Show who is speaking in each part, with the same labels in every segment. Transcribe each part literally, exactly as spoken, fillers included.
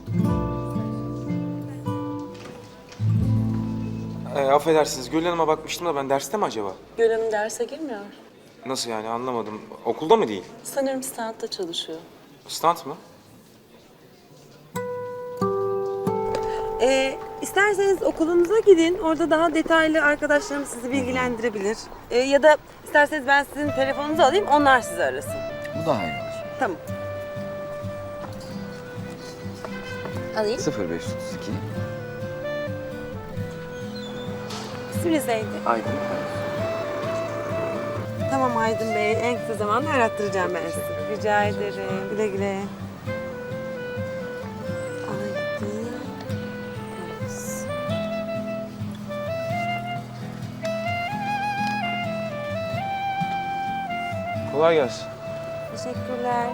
Speaker 1: Ee, affedersiniz, Gül Hanım'a bakmıştım da ben derste mi acaba?
Speaker 2: Gül Hanım derse girmiyor.
Speaker 1: Nasıl yani, anlamadım. Okulda mı değil?
Speaker 2: Sanırım standta çalışıyor.
Speaker 1: Stand mı?
Speaker 3: Ee, isterseniz okulunuza gidin. Orada daha detaylı arkadaşlarım sizi bilgilendirebilir. Ee, ya da isterseniz ben sizin telefonunuzu alayım, onlar sizi arasın.
Speaker 4: Bu daha iyi olur.
Speaker 3: Tamam. Alayım.
Speaker 4: sıfır beş otuz iki.
Speaker 3: İsminiz neydi?
Speaker 4: Aydın.
Speaker 3: Tamam Aydın Bey, en kısa zamanda arattıracağım ben sizi. Rica ederim. Güle güle. Aydın. Öz.
Speaker 1: Kolay gelsin.
Speaker 3: Teşekkürler.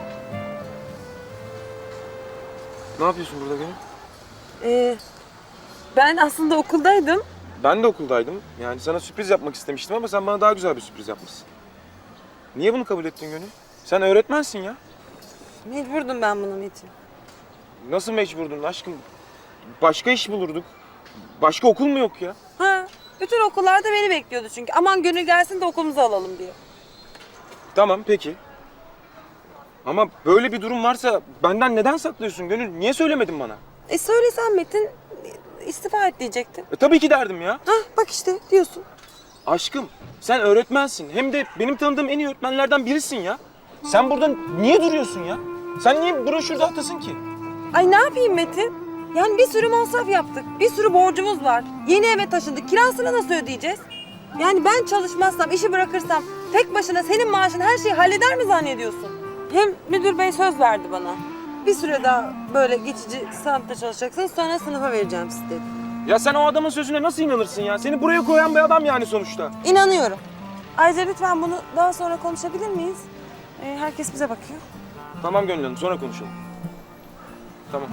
Speaker 1: Ne yapıyorsun burada Gönül?
Speaker 3: Ee, ben aslında okuldaydım.
Speaker 1: Ben de okuldaydım. Yani sana sürpriz yapmak istemiştim ama sen bana daha güzel bir sürpriz yapmışsın. Niye bunu kabul ettin Gönül? Sen öğretmensin ya.
Speaker 3: Mecburdum ben bunun için.
Speaker 1: Nasıl mecburdun aşkım? Başka iş bulurduk. Başka okul mu yok ya?
Speaker 3: Ha, bütün okullarda beni bekliyordu çünkü. Aman Gönül gelsin de okulumuzu alalım diye.
Speaker 1: Tamam, peki. Ama böyle bir durum varsa benden neden saklıyorsun Gönül? Niye söylemedin bana?
Speaker 3: E söylesen Metin, istifa et diyecektin.
Speaker 1: E, tabii ki derdim ya.
Speaker 3: Hah bak işte diyorsun.
Speaker 1: Aşkım, sen öğretmensin. Hem de benim tanıdığım en iyi öğretmenlerden birisin ya. Sen burada niye duruyorsun ya? Sen niye broşür dağıtasın ki?
Speaker 3: Ay ne yapayım Metin? Yani bir sürü masraf yaptık. Bir sürü borcumuz var. Yeni eve taşındık. Kirasını nasıl ödeyeceğiz? Yani ben çalışmazsam, işi bırakırsam tek başına senin maaşın her şeyi halleder mi zannediyorsun? Hem müdür bey söz verdi bana. Bir süre daha böyle geçici sınıfta çalışacaksınız, sonra sınıfa vereceğim sizi dedi.
Speaker 1: Ya sen o adamın sözüne nasıl inanırsın ya? Seni buraya koyan bir adam yani sonuçta.
Speaker 3: İnanıyorum. Ayrıca lütfen bunu daha sonra konuşabilir miyiz? Ee, herkes bize bakıyor.
Speaker 1: Tamam Gönül Hanım, sonra konuşalım. Tamam.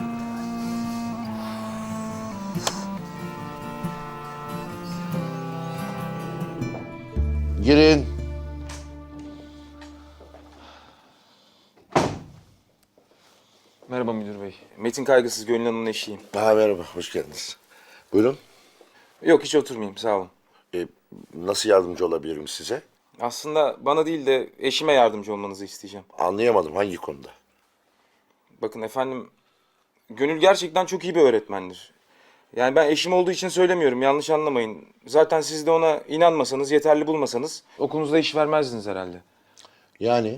Speaker 5: Girin.
Speaker 1: Merhaba müdür bey. Metin Kaygısız, Gönül Hanım'ın eşiyim.
Speaker 5: Ha, merhaba, hoş geldiniz. Buyurun.
Speaker 1: Yok, hiç oturmayayım, sağ olun.
Speaker 5: Ee, nasıl yardımcı olabilirim size?
Speaker 1: Aslında bana değil de eşime yardımcı olmanızı isteyeceğim.
Speaker 5: Anlayamadım, hangi konuda?
Speaker 1: Bakın efendim, Gönül gerçekten çok iyi bir öğretmendir. Yani ben eşim olduğu için söylemiyorum, yanlış anlamayın. Zaten siz de ona inanmasanız, yeterli bulmasanız okulunuzda iş vermezdiniz herhalde.
Speaker 5: Yani?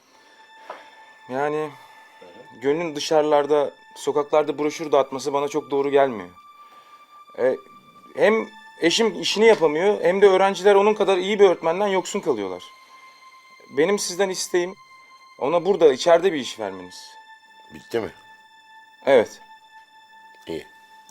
Speaker 1: Yani Gönül'ün dışarılarda, sokaklarda broşür dağıtması bana çok doğru gelmiyor. E, hem eşim işini yapamıyor, hem de öğrenciler onun kadar iyi bir öğretmenden yoksun kalıyorlar. Benim sizden isteğim ona burada, içeride bir iş vermeniz.
Speaker 5: Bitti mi?
Speaker 1: Evet.
Speaker 5: İyi.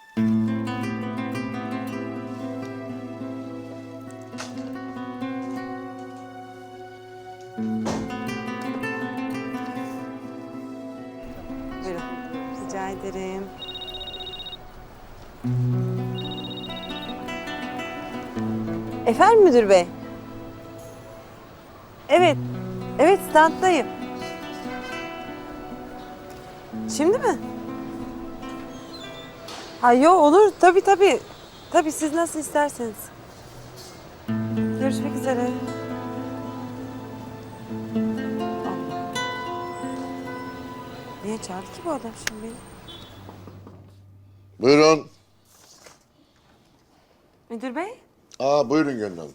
Speaker 3: Buyurun. Rica ederim. Efendim müdür bey? Evet. Evet standdayım. Şimdi mi? Ha yo olur tabii tabii. Tabii siz nasıl isterseniz. Görüşmek üzere. Allah. Niye çağırdı ki bu adam şimdi beni?
Speaker 5: Buyurun.
Speaker 3: Müdür bey?
Speaker 5: Aa, buyurun Gönül Hanım.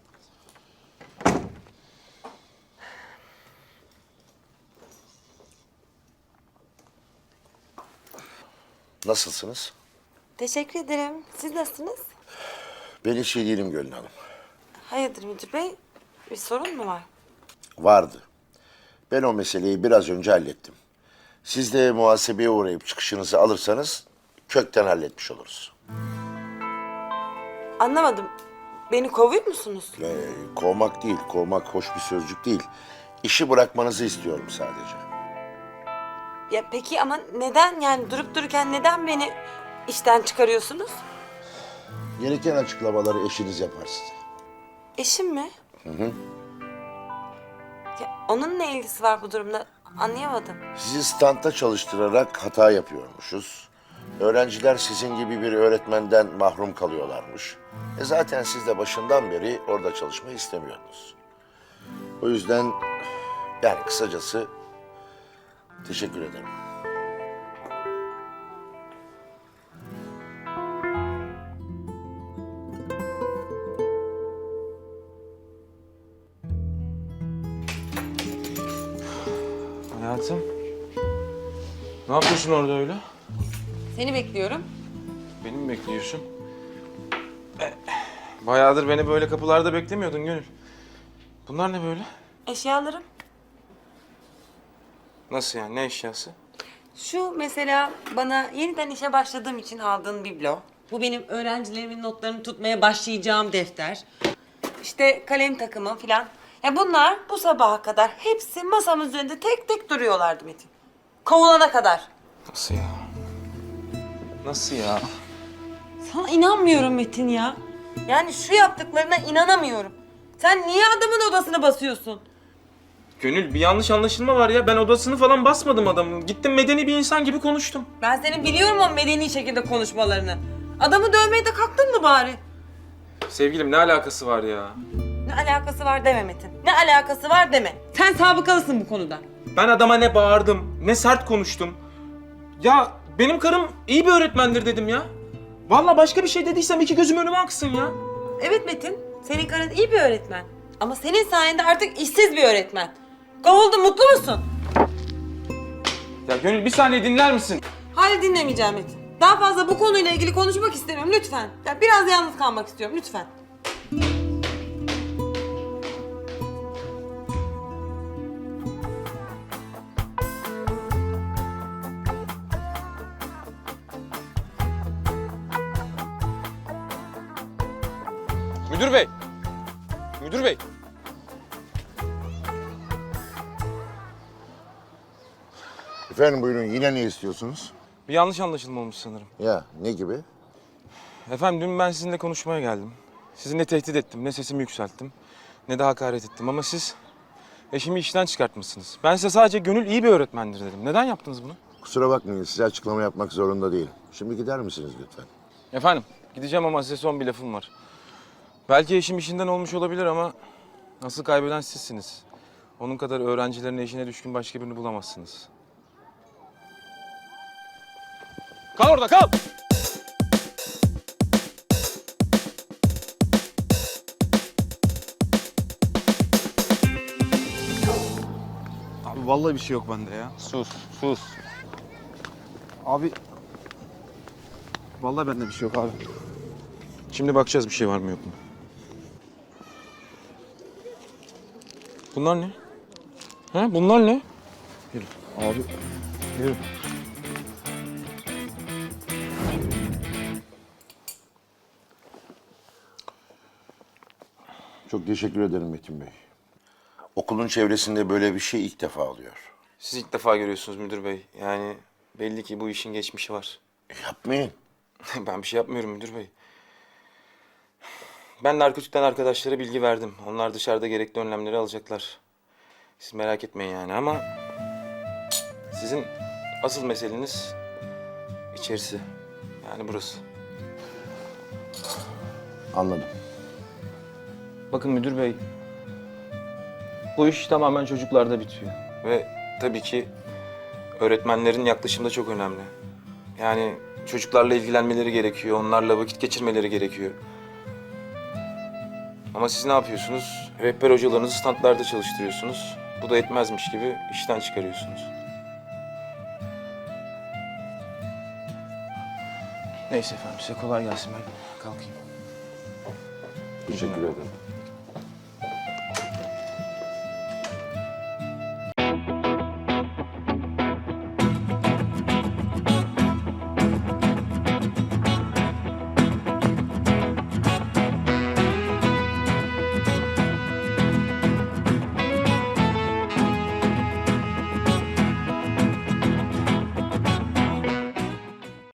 Speaker 5: Nasılsınız?
Speaker 3: Teşekkür ederim. Siz nasılsınız?
Speaker 5: Ben hiç iyi değilim Gönül Hanım.
Speaker 3: Hayırdır müdür bey? Bir sorun mu var?
Speaker 5: Vardı. Ben o meseleyi biraz önce hallettim. Siz de muhasebeye uğrayıp çıkışınızı alırsanız kökten halletmiş oluruz.
Speaker 3: Anlamadım. Beni kovuyor musunuz?
Speaker 5: Ee, kovmak değil, kovmak hoş bir sözcük değil. İşi bırakmanızı istiyorum sadece.
Speaker 3: Ya peki ama neden yani durup dururken neden beni işten çıkarıyorsunuz?
Speaker 5: Gereken açıklamaları eşiniz yapar size.
Speaker 3: Eşim mi? Hı hı. Ya onun ne ilgisi var bu durumda? Anlayamadım.
Speaker 5: Sizi standta çalıştırarak hata yapıyormuşuz. Öğrenciler sizin gibi bir öğretmenden mahrum kalıyorlarmış. E zaten siz de başından beri orada çalışmayı istemiyordunuz. O yüzden yani kısacası teşekkür ederim.
Speaker 1: Hayatım. Ne yapıyorsun orada öyle?
Speaker 3: Seni bekliyorum.
Speaker 1: Beni mi bekliyorsun? Eh, Bayağıdır beni böyle kapılarda beklemiyordun Gönül. Bunlar ne böyle?
Speaker 3: Eşyalarım.
Speaker 1: Nasıl yani? Ne eşyası?
Speaker 3: Şu mesela bana yeniden işe başladığım için aldığın biblo. Bu benim öğrencilerimin notlarını tutmaya başlayacağım defter. İşte kalem takımı falan. Ya bunlar bu sabaha kadar hepsi masamın üzerinde tek tek duruyorlardı Metin. Kovulana kadar.
Speaker 1: Nasıl ya? Nasıl ya?
Speaker 3: Sana inanmıyorum Metin ya. Yani şu yaptıklarına inanamıyorum. Sen niye adamın odasına basıyorsun?
Speaker 1: Gönül bir yanlış anlaşılma var ya. Ben odasını falan basmadım adamın. Gittim medeni bir insan gibi konuştum.
Speaker 3: Ben senin biliyorum o medeni şekilde konuşmalarını. Adamı dövmeye de kalktın mı bari?
Speaker 1: Sevgilim ne alakası var ya?
Speaker 3: Ne alakası var deme Metin. Ne alakası var deme. Sen sabıkalısın bu konuda.
Speaker 1: Ben adama ne bağırdım, ne sert konuştum. Ya benim karım iyi bir öğretmendir dedim ya. Vallahi başka bir şey dediysem iki gözüm önüme aksın ya.
Speaker 3: Evet Metin, senin karın iyi bir öğretmen. Ama senin sayende artık işsiz bir öğretmen. Kovuldun, mutlu musun?
Speaker 1: Ya Gönül bir saniye dinler misin?
Speaker 3: Hayır dinlemeyeceğim Metin. Daha fazla bu konuyla ilgili konuşmak istemiyorum lütfen. Ya biraz yalnız kalmak istiyorum lütfen.
Speaker 1: Müdür bey. Müdür bey.
Speaker 5: Efendim buyurun, yine ne istiyorsunuz?
Speaker 1: Bir yanlış anlaşılma olmuş sanırım.
Speaker 5: Ya ne gibi?
Speaker 1: Efendim dün ben sizinle konuşmaya geldim. Sizi ne tehdit ettim, ne sesimi yükselttim, ne de hakaret ettim. Ama siz eşimi işten çıkartmışsınız. Ben size sadece Gönül iyi bir öğretmendir dedim. Neden yaptınız bunu?
Speaker 5: Kusura bakmayın, size açıklama yapmak zorunda değilim. Şimdi gider misiniz lütfen?
Speaker 1: Efendim gideceğim ama size son bir lafım var. Belki eşim işinden olmuş olabilir ama asıl kaybeden sizsiniz. Onun kadar öğrencilerin eşine düşkün başka birini bulamazsınız. Kal orada kal!
Speaker 6: Abi vallahi bir şey yok bende ya.
Speaker 1: Sus, sus.
Speaker 6: Abi vallahi bende bir şey yok abi.
Speaker 1: Şimdi bakacağız bir şey var mı yok mu. Bunlar ne? He? Bunlar ne? Yürü.
Speaker 6: Abi
Speaker 1: Yürü.
Speaker 5: Çok teşekkür ederim Metin Bey. Okulun çevresinde böyle bir şey ilk defa oluyor.
Speaker 1: Siz ilk defa görüyorsunuz müdür bey. Yani belli ki bu işin geçmişi var.
Speaker 5: Yapmayın.
Speaker 1: Ben bir şey yapmıyorum müdür bey. Ben narkotikten arkadaşlara bilgi verdim. Onlar dışarıda gerekli önlemleri alacaklar. Siz merak etmeyin yani ama... Sizin asıl meseleniz içerisi. Yani burası.
Speaker 5: Anladım.
Speaker 1: Bakın müdür bey, bu iş tamamen çocuklarda bitiyor. Ve tabii ki öğretmenlerin yaklaşımı da çok önemli. Yani çocuklarla ilgilenmeleri gerekiyor, onlarla vakit geçirmeleri gerekiyor. Ama siz ne yapıyorsunuz? Rehber hocalarınızı standlarda çalıştırıyorsunuz. Bu da etmezmiş gibi işten çıkarıyorsunuz. Neyse efendim, size kolay gelsin, ben kalkayım.
Speaker 5: Teşekkür ederim.